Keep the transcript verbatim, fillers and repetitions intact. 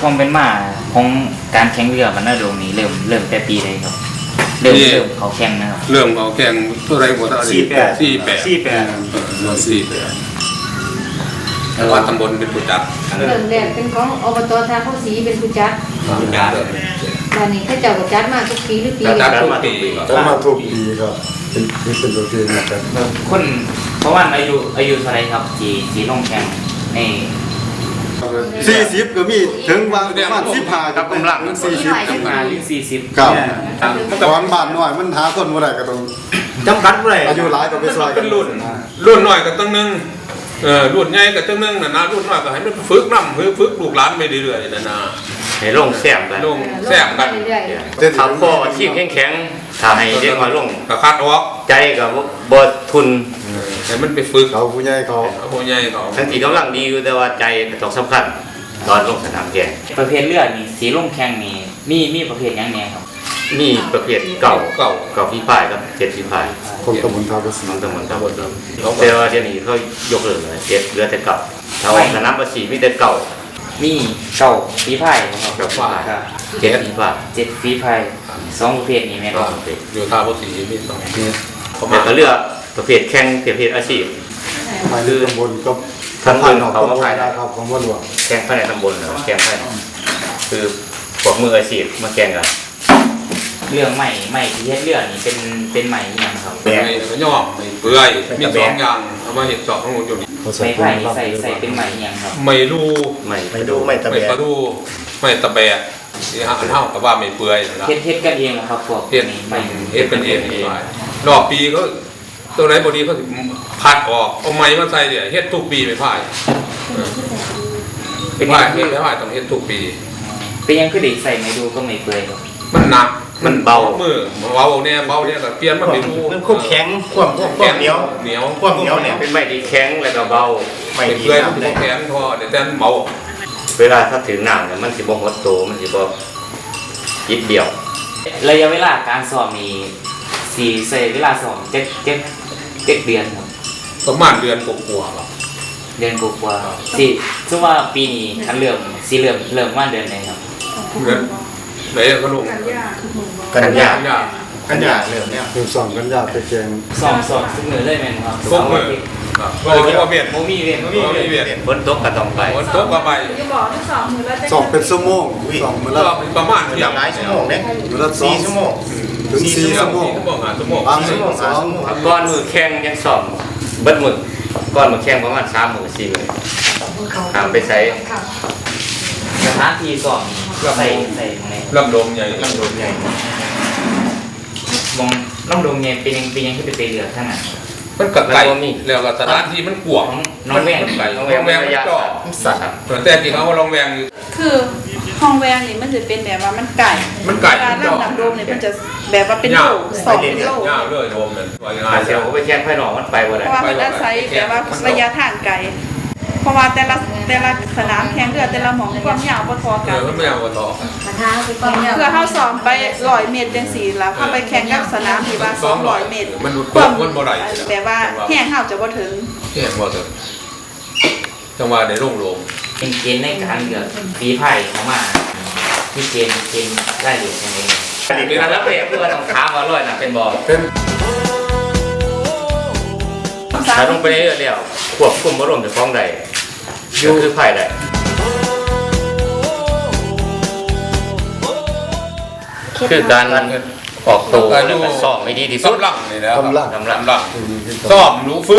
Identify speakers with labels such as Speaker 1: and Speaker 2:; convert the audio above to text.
Speaker 1: ความเป็นมาของการแข่งเรือมันน่าดวงนี้เริ่มเริ่มแต่ปีใดครับเริ่มเริ่มเขาแข่งนะครับ
Speaker 2: เริ่มเขาแข่งเท่าไรหมดสี่แปดสี่แปดสี่แปดสี่แปดว่าตำบลเป็นผู้จัด
Speaker 3: เริ่มแรกเป็นของอบตท่าข้าวสีเป็นผู้จัดตอนนี้ข้าเจ้าก็จัดมาทุกปีหรือปี
Speaker 2: จัดทุกปี
Speaker 4: จัดมาทุกปีก็เป็นเป็นตัวเองนะครับ
Speaker 1: คนเพราะว่าอายุอายุเท่าไรครับจีจีลงแข่งใน
Speaker 4: สี่สิบก็มีถึงวางประมาณสิบห้ากับกำลังสี่สิบ
Speaker 1: จำกัดสี่สิบ
Speaker 4: ครับตอนบ้านน้อยมันหาคนบ่ได้ก็ต้อง
Speaker 5: จำกัดบ่ได้
Speaker 4: อายุหลายก็ไปซอย
Speaker 2: เป็นรุ่นรุ่นน้อยก็ตั้งนึงเออรุ่นใหญ่ก็ตั้งนึงน่ะนะรุ่นน้อยก็ให้มันฝึกนำฝึกลูกหลานไปเรื่อยๆนั่นนะ
Speaker 6: ให้ลงแซมกัน
Speaker 2: ลงแซมกัน
Speaker 6: ทำพ่ออาชีพแข็งๆถ้าให้เรียกว่าลง
Speaker 2: ก็คัดออก
Speaker 6: ใจกับบ่ทุน
Speaker 2: ให้มันไปฝึก
Speaker 4: เขาผู้ใหญ่เขา
Speaker 2: ผู้ใหญ่เขา
Speaker 6: ทั้งที่กำลังดีอยู่แต่ว่าใจต้องสำคัญตอนลงสนามแข่ง
Speaker 1: ประเภทเรือนี่สีลงแข่งนี่มีมีประเภทยังไงครับ
Speaker 6: มีประเภทเก่า
Speaker 2: เก่า
Speaker 6: เก่าฝีพายกับเจ็ดฝีพาย
Speaker 4: คนตำบลท่าภาษี
Speaker 6: ตำบลท่าภาษีแต่ว่าเดี๋ยวนี้เขายกเลิกเลยเจ็ดเหลือแต่เก่าถ้าออกสนามภาษีมีแต่เก่า
Speaker 1: มีเก่าฝีพายครับ
Speaker 6: เก่าฝีพายเจ็ดฝีพาย
Speaker 1: เจ็ดฝีพายสองประเภทนี้แม่ครับ
Speaker 2: อยู่ท่าภาษีมีสอง
Speaker 6: แต่ก็เลือกประเภทแข่งประเภทอาชีพ
Speaker 4: คือตำบลก็
Speaker 6: ทั้งคนเขามาภายใน
Speaker 4: ครับของว่าหลวง
Speaker 6: แข่งภายในตำบลเหรอแข่งภายในคือพวกมืออาชีพมาแข่งกัน
Speaker 1: เรื่องใหม่ใหม่ที่เฮ็ดเรื่องนี่เป็นเป็นใหม่ยังครับ
Speaker 2: ไม่ย่อมไม่เปื่อยมีสองอย่างเอามาเห็ดสองของหมดอยู่นี่
Speaker 1: ไม่ไผ่ใส่ใส่เป็นใหม่ยังครับ
Speaker 2: ไม่รู้
Speaker 6: ไม่
Speaker 5: ไม่รู้ไม่ตะแบะ
Speaker 2: ไม่รู้ไม่ตะแบะที่หาเท่ากับว่าไม่เปื่อยนะ
Speaker 1: เฮ็ดเฮ็ดกันเองครับพวก
Speaker 2: เฮ็ดไม่เฮ็ดเป็นเองรอบปีก็ตัวไหนบดีเขาพัดออกเอาไม้มาใส่เนี่ยเฮ็ดทุกปีไม่พ่ายเป็นพ่ายเฮ็ดไม่พ่ายต้องเฮ็ดทุกปี
Speaker 1: เป็นยังคือเด็กใส่ไม่ดูก็ไม่เปื่อยครับ
Speaker 2: มันหนัก
Speaker 6: มันเบา
Speaker 2: มือเบาเนี่ยเบาเนี่ยแต่เปลี่ยนมันไม่รู้
Speaker 5: มันควบแข็งควบควบเหนียว
Speaker 2: เหนียว
Speaker 5: ควบเหนียวเนี่ย
Speaker 6: เป็นไม้ที่แข็งแล้วก็เบา
Speaker 2: ไม่เปื่อยมันควบแข็งพอเดี๋ยวแต่เบา
Speaker 6: เวลาถ้าถึงหนังเนี่ยมันสิบ่หดโตมันสิบ่ยิบเดียว
Speaker 1: ระยะเวลาการสอบมีสี่ใส่เวลาสอบเจ็ดเจ็ดเจ็ดเดือนครับ
Speaker 2: ประมาณเดือนกว่าๆครับ
Speaker 1: เดือนกว่าๆสี่ซึ่งว่าปีนี้อันเริ่มสีเริ่มเริ่มว่าเดือนไหนครับ
Speaker 2: เดือนไหนก็ลง
Speaker 6: กันยา
Speaker 5: กันยาเริ่มเนี่ย
Speaker 4: คือสองกันยาไปแกง
Speaker 1: สองสองซึ่งเหนือเลยแม่นครับ
Speaker 2: สองมือโอ้ยก็เบียด
Speaker 1: โมมีเวียนโมมี
Speaker 2: เวียน
Speaker 6: ฝนตกก็ต้องไป
Speaker 2: ฝนตกก็ไป
Speaker 3: จะบอกที่สองมือแล้ว
Speaker 4: สองเป็นชั่วโมงสองมือละ
Speaker 2: ประมาณ
Speaker 5: อย่างหลายชั่วโมงเนี่ย
Speaker 4: มือละ
Speaker 5: สี่ชั่วโมง
Speaker 4: ถึงสี่ชั่วโมง
Speaker 2: ชั่วโมง
Speaker 4: บางชั่วโมงสอง
Speaker 6: ก้อนมือแข้งยังสอบเบิดมือก้อนมือแข้งประมาณสามมือสี่มือทำไปใช้
Speaker 1: สถานที่สอบใส่ใส่ใน
Speaker 2: ลำโดมใหญ่
Speaker 1: ลำโดมใหญ่มองลำโดมใหญ่เป็นยังเป็นยังที่เป็นเรือท่านอ่ะ
Speaker 2: มันกัดไก่แล้วก็สถานที่มันกวาง
Speaker 1: น้องแวง
Speaker 2: น้องแวงมันก็สัตว์แต่ที่เขาว่าลองแวง
Speaker 3: คือห้องแวงนี่มันจะเป็นแบบว่ามันไก่
Speaker 2: มันไก่
Speaker 3: การล่ำน้ำโดมเนี่ยมันจะแบบว่าเป็นโล่สองเป็นโล่
Speaker 2: ยาวเลยโดมเนี่ย
Speaker 6: เดี๋ยวเขาไปแช่งไฟหนองมันไปวันไหน
Speaker 3: เพราะว่ามันอาศัยแบบว่าระยะทางไกลเพราะว่าแต่ละแต่ละสนามแข่งเรือแต่ละหม่องความยาวบ่พอกัน
Speaker 2: เออมันไม่ยาวบ่พอ
Speaker 3: เพื่อเข้าซ้อมไปร้อยเมตรจังซี่แล้วเข้าไปแข่งกับสนามที่ว่าสองร้อยเมตร
Speaker 2: มันความมันบ่ได้
Speaker 3: แบบว่าแห้งเฮาจะบ่ถึง
Speaker 2: แห้งบ่ถึงจังหวะได้ลงลง
Speaker 1: เป็นเกณฑ์ในการเลือกฝีพายเข้ามาที่เกณฑ์เกณฑ์ได้เหรียญยังไง
Speaker 6: เป็นนักเตะเพื่อนของขามาลอยน่ะเป็นบอลถ้าลงไปเรื่อยๆแล้วควบคุมอารมณ์จะฟ้องใดก็คือไผ่ใดคือการออกตัวแล้วก็ซ้อมไม่ดีที่สุด
Speaker 2: กำลังนี่นะ
Speaker 6: กำลังกำลัง
Speaker 2: ซ้อมรู้ฝึก